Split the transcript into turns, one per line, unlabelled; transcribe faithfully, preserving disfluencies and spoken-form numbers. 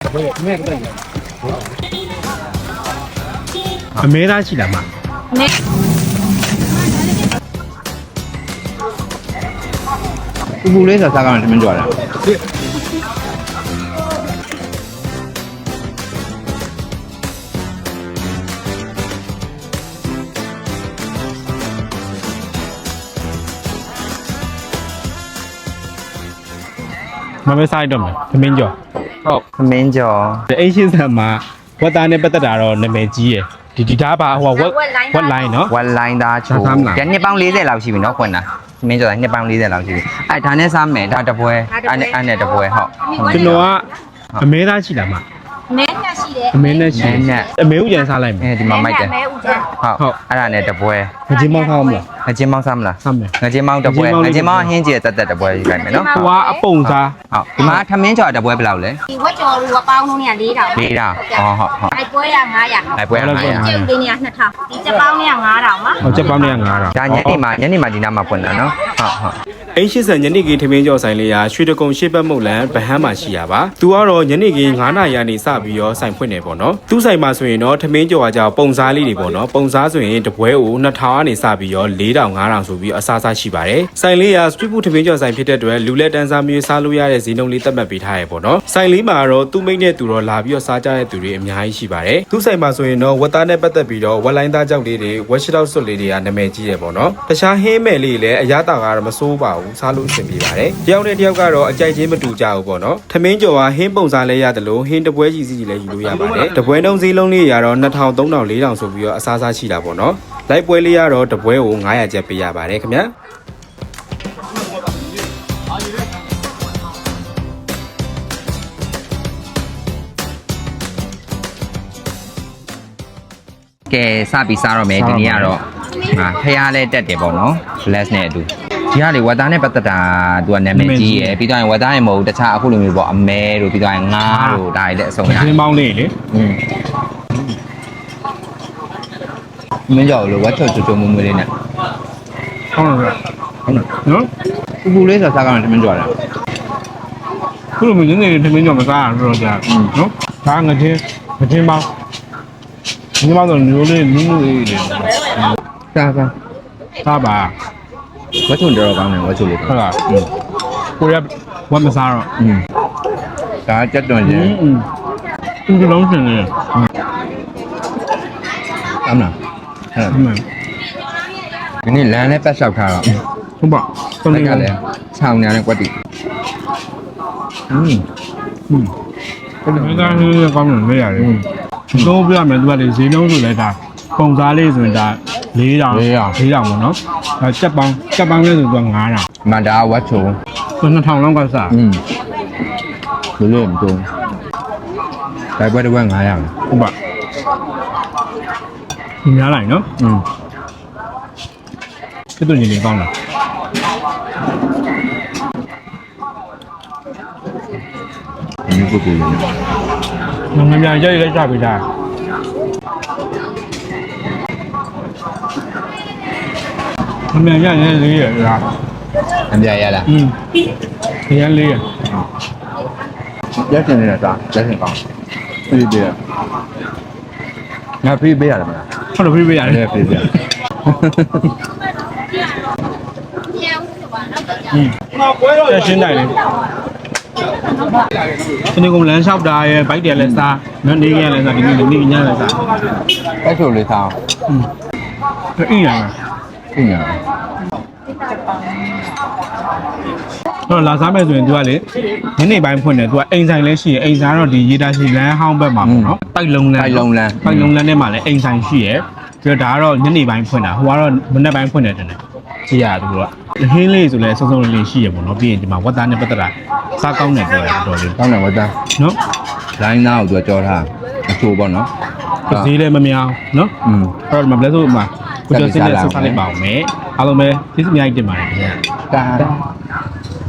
အမဲသားရှိလားမ
ပူပူလေးဆိုစားကောင်းတယ်သမင်းကြော်တယ်
မမဲစားရတော့မယ်သမင်းကျော်ဟုတ်
သမင်းကြော်
အိတ်ရှိစံမှာဝက်သားနဲ့ပတ်သက်တာတော့နာမည်ကြီးရယ်ဒီဒီသားပါဟိုဝက်ဝက်လိုင်းနော်
ဝက်လိုင်းသားချိုးကျန်နှစ်ပေါင်း၄၀လောက်ရှိပြီနော်ခွန်းတာသမင်းကြော်နှစ်ပေါင်း၄၀လောက်ရှိပြီအဲဒါနဲ့စားမယ်ဒါတပွဲအဲ့နဲ့အဲ့နဲ့တပွဲဟုတ်
ကျွန်တော်ကအမဲသားရှိလားမ
အမဲနဲ့ရှိတယ်
အမဲနဲ့ရှိတယ်အမဲဥကျန်စားလိုက်မယ်
အဲဒီမှာမိုက်တယ်
အမဲဥကျန်
ဟုတ်ဟုတ်အဲ့ဒါနဲ့တပွဲ
ငချင်းမောင်းစားမလား
ငချင်းမောင်းစားမလား
စားမယ်
ငချင်းမောင်းတပွဲငချင်းမောင်းဟင်းကျတက်တက်တပွဲယူလိုက်မယ်နော်
ဟိုကအပုံစား
ဟုတ်ဒီမှာထမင်းကြော်တပွဲဘယ်လောက်လဲ
ဒီဝက်ကြော်လူကပေါင်းလုံးเนี่ย၄တောင်
၄တောင်ဟောဟုတ်ဟုတ်
အိုက်ပွဲရ၅ရာ
အိုက်ပွဲရ၅ရာ
ကျုပ်လေးเนี่ย၂ထောင်ဒီချက်ပေါင်းเนี่ย၅တောင်ပါ
ဟုတ်ချက်ပေါင်းเนี่ย၅တောင်
ဒါညနေမှာညနေမှာဒီနားမှာဖွင့်တာနော်ဟုတ်ဟုတ်
အိမ်ရှိစံညနေခင်းထမင်းကြော်ဆိုင်လေးရာရွှေတကုံရှေ့ဘက်မုတ်လန်ဗဟန်းမှာရှိရပါသူကတော့ညနေခင်း9နာရီကနေစပြီးတော့ဆိုင်ဖွင့်နေပေါ့နော်သူ့ဆိုင်မှာဆိုရင်တော့ထမင်းကြော်ကကြောင်ပုံစားလေးတွေပေါ့နော်ပုံစားဆိုရင်တပွဲကို၂ထောင်ကနေစပြီးတော့၄တောင်၅တောင်ဆိုပြီးအစားစားရှိပါတယ်ဆိုင်လေးရာစထရီဖူးထမင်းကြော်ဆိုင်ဖြစ်တဲ့အတွက်လူလက်တန်းစားမျိုးစားလို့ရတဲ့ဈေးနှုန်းလေးသတ်မှတ်ပေးထားရပေါ့နော်ဆိုင်လေးမှာတော့သူ့မိတ်နဲ့သူတော့လာပြီးတော့စားကြတဲ့သူတွေအများကြီးရှိပါတယ်သူ့ဆိုင်မှာဆိုရင်တော့ဝက်သားနဲ့ပတ်သက်ပြီးတော့ဝက်လိုင်းသားကြောက်လေးတွေဝက်ရှစ်တောက်စွတ်လေးတွေကနာမည်ကြီးတယ်ပေါ့နော်တခြားဟင်းမဲ့လေးလည်းအရသာကတော့မစိုးပါဘူးစားလို့အဆင်ပြေပါတယ်တယောက်နဲ့တယောက်ကတော့အကြိုက်ချင်းမတူကြဘူးပေါ့နော်ထမင်းကြော်ကဟင်းပုံစားလဲရတယ်လို့ဟင်းတပွဲကြီးစီလည်းယူလို့ရပါတယ်တပွဲတုံးစည်းလုံးလေးရတော့၂ထောင်၃ထောင်၄ထောင်ဆိုပြီးတော့အစားစားရှိတာပေါ့နော်လိုက်ပွဲလေးရတော့တပွဲကို900ကျပ်ပေးရပါတယ်ခင်ဗျာ
ကဲစပြီးစားတော့မယ်ဒီနေ့ကတော့ဟာဖျားလဲတက်တယ်ပေါ့နော် bless နဲ့အတူဒီကလေဝက်သားနဲ့ပတ်သက်တာသူကနာမည်ကြီးရယ်ပြီးတော့ဝက်သားရင်မဟုတ်တခြားအခုလိုမျိုးပေါ့အမဲတို့ပြီးတော့ငါးတို့ဒါတွေလည်းအစုံရတယ်
ခင်းပေါင်းလေးလေ
อืมမင်းကြောက်လို့ဝက်ချော်ချိုချိုမွေးမွေးလေးနဲ့
ဟုတ်တယ်
ဟုတ်နော်
နော်
ပူပူလေးဆိုစားကောင်းတယ်မင်းကြောက်လား
ခုလိုမျိုးနေနေထမင်းကြော်မစားရတော့ကြာနော်ဒါငချင်းငချင်းပေါင်းငါတော့မျိုးလေးနူးနူးလေးလေး
စားစား
စားပါ
ဝက်ချုံတော်ကောင်းတယ်ဝက်ချုံလေး
ဟုတ်လားကိုရဝက်မစားတော့
อืมဒါကြက်တွန်ချင်း
อืมဒီလုံးစင်နေ
အမလားအဲ့ဒါဒီနေ့လမ်းနဲ့ပတ်လျှောက်ထားတော့
ဟုတ်ပါ
သုံးနေကလည်းခြောင်ညာနဲ့ကွက်တီอืม
อืมဒီကနေ့ကောင်းတယ်မေးရတယ်သုံးပြရမယ်သူကလေဈေးနှုန်းဆိုလဲဒါပုံစားလေးဆိုရင်ဒါ၄တောင်၄တောင်ပေါ့နော်အဲစက်ပေါင်းစက်ပေါင်းလေးဆိုတော့၅တောင်
မန္တာဝက်ချုံ
ဆို၂ထောင်လောက်ကစား
อืมဘယ်လိုမတုံးဒါပွဲတစ်ပွဲ900
ဟုတ်ပါဒီများလိုက်နော်
อืม
စစ်တူညီလေးကောင်းလား
ဒီပုဂ္ဂိုလ်လေး
ငငမြန်ရိုက်လိုက်ကြပြီဒါငမြန်ရရင်လေးရလား
အပြရလား
อืมရရင်လေးရ
ရက်တင်နေတာရက်တင်ကောင်းပြေးပြေးငါပြေးပေးရတယ်မလား
ဟုတ်တယ်ပြေးပေးရတယ်
ပြေးပေး
อืมဆက်ရှင်းတိုင်းလေဒီနေ့ကလမ်းလျှောက်တာရဲ့ဘိုက်တယ်လည်းစားနော်နေကလည်းစားဒီနေ့နေညလည်းစား
အဲ့ဆိုလေးစား
อืมအင်းရမှာ
အင်းရ
တော့လာစားမယ်ဆိုရင် तू ကလေညနေပိုင်းဖွင့်တယ် तू ကအိမ်ဆိုင်လည်းရှိရအိမ်ဆိုင်တော့ဒီရေတာရှိလမ်းဟောင်းဘက်မှာပေါ့နော်တိုက်လုံးလမ်း
တိုက်လုံးလမ်း
တိုက်လုံးလမ်းထဲမှာလည်းအိမ်ဆိုင်ရှိရပြီးတော့ဒါကတော့ညနေပိုင်းဖွင့်တာဟိုကတော့မနေ့ပိုင်းဖွင့်တယ်တင်တယ်ကြည့်ရသူတို့ကဟင်းလေးဆိုလဲစုံစုံလေးရှိရပေါ့နော်ပြီးရင်ဒီမှာဝက်သားနဲ့ပတ်သက်တာစားကောင်းတယ်ပြောတယ်တော်လေး
ကောင်းတယ်ဝက်သား
နော်
လိုင်းသားကို तू ကြောထားအချိုးပေါ့နော်
ဈေးလည်းမများနော်
อืม
အဲ့တော့မဘလက်ဆိုမှာကိုကျော်စင်းနဲ့ဆက်စားလိုက်ပါအောင်မယ်အားလုံးပဲကျေးဇူးအများကြီးတင်ပါတယ်ခင်ဗျာ
တာ